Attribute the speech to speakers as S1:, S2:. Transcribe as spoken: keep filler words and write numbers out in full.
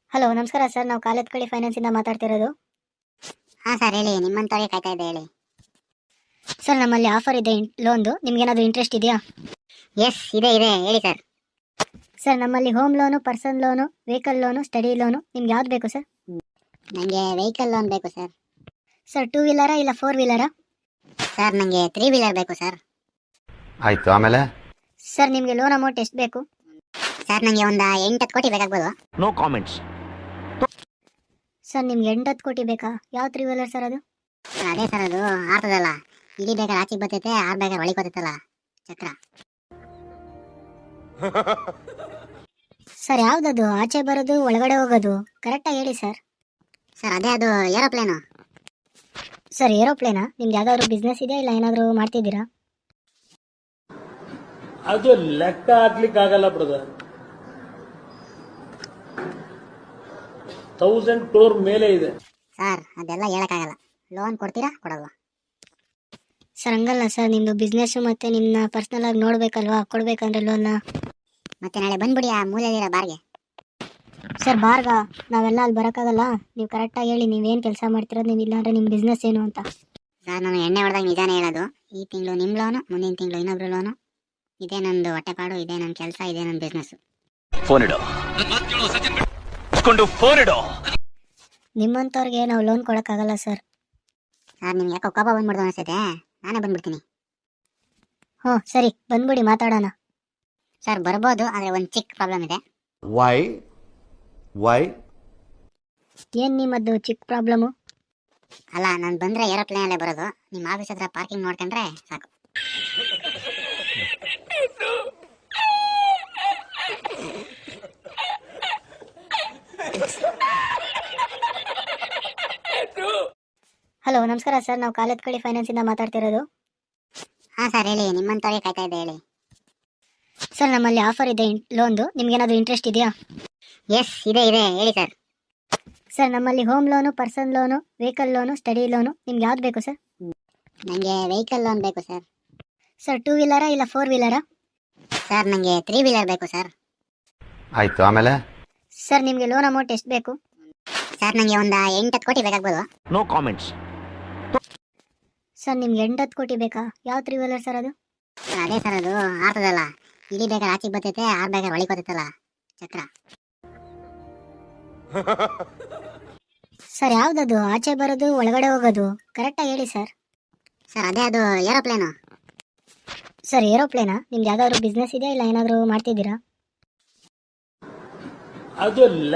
S1: Hello ನಮಸ್ಕಾರ sir, ನಾವು ಕಾಲೇತ್ಕಳಿ ಫೈನಾನ್ಸಿಂದ ಮಾತಾಡ್ತಿರೋದು.
S2: ಹಾಂ ಸರ್ ಹೇಳಿ, ನಿಮ್ಮಂಥವ್ರಿಗೆ ಕಾಯ್ತಾ ಇದ್ದೆ ಹೇಳಿ.
S1: ಸರ್ ನಮ್ಮಲ್ಲಿ ಆಫರ್ ಇದೆ ಲೋನ್ದು, ನಿಮ್ಗೇನಾದರೂ ಇಂಟ್ರೆಸ್ಟ್ ಇದೆಯಾ?
S2: ಎಸ್ ಇದೆ ಇದೆ ಹೇಳಿ ಸರ್.
S1: ಸರ್ ನಮ್ಮಲ್ಲಿ home loan, person loan, vehicle loan, study loan, ನಿಮ್ಗೆ ಯಾವ್ದು ಬೇಕು ಸರ್?
S2: ನನಗೆ ವೆಹಿಕಲ್ ಲೋನ್ ಬೇಕು ಸರ್.
S1: ಸರ್ ಟೂ ವೀಲರಾ ಇಲ್ಲ ಫೋರ್ ವೀಲರಾ?
S2: ಸರ್ ನನಗೆ ತ್ರೀ ವೀಲರ್ ಬೇಕು ಸರ್.
S3: ಆಯ್ತು, ಆಮೇಲೆ
S1: ಸರ್ ನಿಮಗೆ ಲೋನ್ ಅಮೌಂಟ್ ಎಷ್ಟು ಬೇಕು?
S2: ಸರ್ ನನಗೆ ಒಂದು ಎಂಟು ಹತ್ತು ಕೋಟಿ ಬೇಕಾಗ್ಬೋದು.
S3: No comments.
S1: ಸರ್ ನಿಮ್ಗೆ ಎಂಟತ್ತು ಕೋಟಿ ಬೇಕಾ? ಯಾವ ತ್ರೀ ವೀಲರ್ ಸರ್ ಅದು?
S2: ಸರ್ ಅದೇ ಸರ್, ಅದು ಆರ್ತದಲ್ಲ, ಇಡೀ ಬೇಕಾದ್ರೆ ಆಚೆಗೆ ಬರ್ತೈತೆ, ಆರು ಬೇಕಾದ್ರೆ ಒಳಗೆ ಬರ್ತೈತಲ್ಲ ಚಕ್ರ.
S1: ಸರ್ ಯಾವ್ದದು ಆಚೆ ಬರೋದು ಒಳಗಡೆ ಹೋಗೋದು ಕರೆಕ್ಟಾಗಿ ಹೇಳಿ ಸರ್.
S2: ಸರ್ ಅದೇ ಅದು ಏರೋಪ್ಲೇನು.
S1: ಸರ್ ಏರೋಪ್ಲೇನಾ? ನಿಮ್ಗೆ ಯಾವ್ದಾದ್ರು ಬಿಸ್ನೆಸ್ ಇದೆಯಾ ಇಲ್ಲ ಏನಾದರೂ ಮಾಡ್ತಿದ್ದೀರಾ?
S4: ಅದು ಲೆಕ್ಕ ಹಾಕ್ಲಿಕ್ಕೆ ಆಗಲ್ಲ ಬ್ರದರ್. ತೌಸಂಡ್ ಕ್ರೋರ್ ಮೇಲೆ ಇದೆ.
S2: ಸರ್ ಅದೆಲ್ಲ ಹೇಳಕ್ಕಾಗಲ್ಲ. ಲೋನ್ ಕೊಡ್ತೀರಾ ಕೊಡಲ್ವಾ?
S1: ಸರ್ ಹಂಗಲ್ಲ ಸರ್, ನಿಮ್ಮದು ಬಿಸ್ನೆಸ್ಸು ಮತ್ತು ನಿಮ್ಮನ್ನ ಪರ್ಸ್ನಲ್ ಆಗಿ ನೋಡಬೇಕಲ್ವಾ, ಕೊಡಬೇಕಂದ್ರೆ ಲೋನ್ನ.
S2: ಮತ್ತೆ ನಾಳೆ ಬಂದ್ಬಿಡಿ ಆ ಮೂಲೆಯಲ್ಲಿರೋ ಬಾರ್ಗೆ.
S1: ಸರ್ ಬಾರ್ಗ ನಾವೆಲ್ಲ ಅಲ್ಲಿ ಬರೋಕ್ಕಾಗಲ್ಲ. ನೀವು ಕರೆಕ್ಟಾಗಿ ಹೇಳಿ, ನೀವೇನು ಕೆಲಸ ಮಾಡ್ತಿರೋದು, ನೀವು ಇಲ್ಲಾಂದರೆ ನಿಮ್ಮ ಬಿಸ್ನೆಸ್ ಏನು ಅಂತ.
S2: ಸರ್ ನಾನು ಎಣ್ಣೆ ಹೊಡೆದಾಗ ನಿಜಾನೇ ಹೇಳೋದು. ಈ ತಿಂಗಳು ನಿಮ್ಮ ಲೋನು, ಮುಂದಿನ ತಿಂಗಳು ಇನ್ನೊಬ್ರು ಲೋನು. ಇದೇ ನಂದು ಹೊಟ್ಟೆಪಾಡು, ಇದೇ ನನ್ನ ಕೆಲಸ, ಇದೇ ನನ್ನ ಬಿಸ್ನೆಸ್.
S3: ಫೋನ್ ಇಡು, ಫೋನ್ ಇಡು.
S1: ನಿಮ್ಮಂಥವ್ರಿಗೆ ನಾವು ಲೋನ್ ಕೊಡೋಕ್ಕಾಗಲ್ಲ ಸರ್.
S2: ಸರ್ ನಿಮ್ಗೆ ಯಾಕೋ ಕೋಪ ಬಂದ್ಬಿಡ್ದು ಅನಿಸ್ತೈತೆ, ನಾನೇ ಬಂದ್ಬಿಡ್ತೀನಿ.
S1: ಹ್ಞೂ ಸರಿ, ಬಂದ್ಬಿಡಿ ಮಾತಾಡೋಣ.
S2: ಸರ್ ಬರ್ಬೋದು, ಆದರೆ ಒಂದು ಚಿಕ್ಕ ಪ್ರಾಬ್ಲಮ್ ಇದೆ.
S3: ವೈ ವೈ
S1: ಏನು ನಿಮ್ಮದು ಚಿಕ್ಕ ಪ್ರಾಬ್ಲಮ್ಮು?
S2: ಅಲ್ಲ, ನಾನು ಬಂದರೆ ಏರೋಪ್ಲೇನಲ್ಲೇ ಬರೋದು. ನಿಮ್ಮ ಆಫೀಸ್ ಹತ್ರ ಪಾರ್ಕಿಂಗ್ ನೋಡ್ಕೊಂಡ್ರೆ ಸಾಕು.
S1: ಹಲೋ ನಮಸ್ಕಾರ ಸರ್, ನಾವು ಕಾಲೇತ್ಕಳಿ ಫೈನಾನ್ಸಿಂದ ಮಾತಾಡ್ತಿರೋದು.
S2: ಹಾಂ ಸರ್ ಹೇಳಿ, ನಿಮ್ಮಂಥವ್ರಿಗೆ ಕಾಯ್ತಾ ಇದ್ದೆ ಹೇಳಿ.
S1: ಸರ್ ನಮ್ಮಲ್ಲಿ ಆಫರ್ ಇದೆ ಲೋನ್ದು, ನಿಮ್ಗೇನಾದರೂ ಇಂಟ್ರೆಸ್ಟ್ ಇದೆಯಾ?
S2: ಎಸ್ ಇದೆ ಇದೆ ಹೇಳಿ ಸರ್.
S1: ಸರ್ ನಮ್ಮಲ್ಲಿ home loan, person loan, vehicle loan, study loan, ನಿಮ್ಗೆ ಯಾವ್ದು ಬೇಕು ಸರ್?
S2: ನನಗೆ ವೆಹಿಕಲ್ ಲೋನ್ ಬೇಕು ಸರ್.
S1: ಸರ್ ಟೂ ವೀಲರಾ ಇಲ್ಲ ಫೋರ್ ವೀಲರಾ?
S2: ಸರ್ ನನಗೆ ತ್ರೀ ವೀಲರ್ ಬೇಕು ಸರ್.
S3: ಆಯ್ತು, ಆಮೇಲೆ
S1: ಸರ್ ನಿಮಗೆ ಲೋನ್ ಅಮೌಂಟ್ ಎಷ್ಟು ಬೇಕು?
S2: ಸರ್ ನನಗೆ ಒಂದು ಎಂಟು ಹತ್ತು ಕೋಟಿ ಬೇಕಾಗ್ಬೋದು.
S3: No comments.
S1: ಸರ್ ನಿಮ್ಗೆ ಎಂಟತ್ತು ಕೋಟಿ ಬೇಕಾ? ಯಾವ ತ್ರೀ ವೀಲರ್ ಸರ್ ಅದು?
S2: ಸರ್ ಅದೇ ಸರ್, ಅದು ಆರ್ತದಲ್ಲ, ಇಡೀ ಬೇಕಾದ್ರೆ ಆಚೆಗೆ ಬರ್ತೈತೆ, ಆರು ಬೇಕಾದ್ರೆ ಒಳಗೆ ಬರ್ತೈತಲ್ಲ ಚಕ್ರ.
S1: ಸರ್ ಯಾವ್ದದು ಆಚೆ ಬರೋದು ಒಳಗಡೆ ಹೋಗೋದು ಕರೆಕ್ಟಾಗಿ ಹೇಳಿ ಸರ್.
S2: ಸರ್ ಅದೇ ಅದು ಏರೋಪ್ಲೇನು.
S1: ಸರ್ ಏರೋಪ್ಲೇನಾ? ನಿಮ್ಗೆ ಯಾವ್ದಾದ್ರು ಬಿಸ್ನೆಸ್ ಇದೆಯಾ ಇಲ್ಲ ಏನಾದರೂ ಮಾಡ್ತಿದ್ದೀರಾ?
S4: ಅದು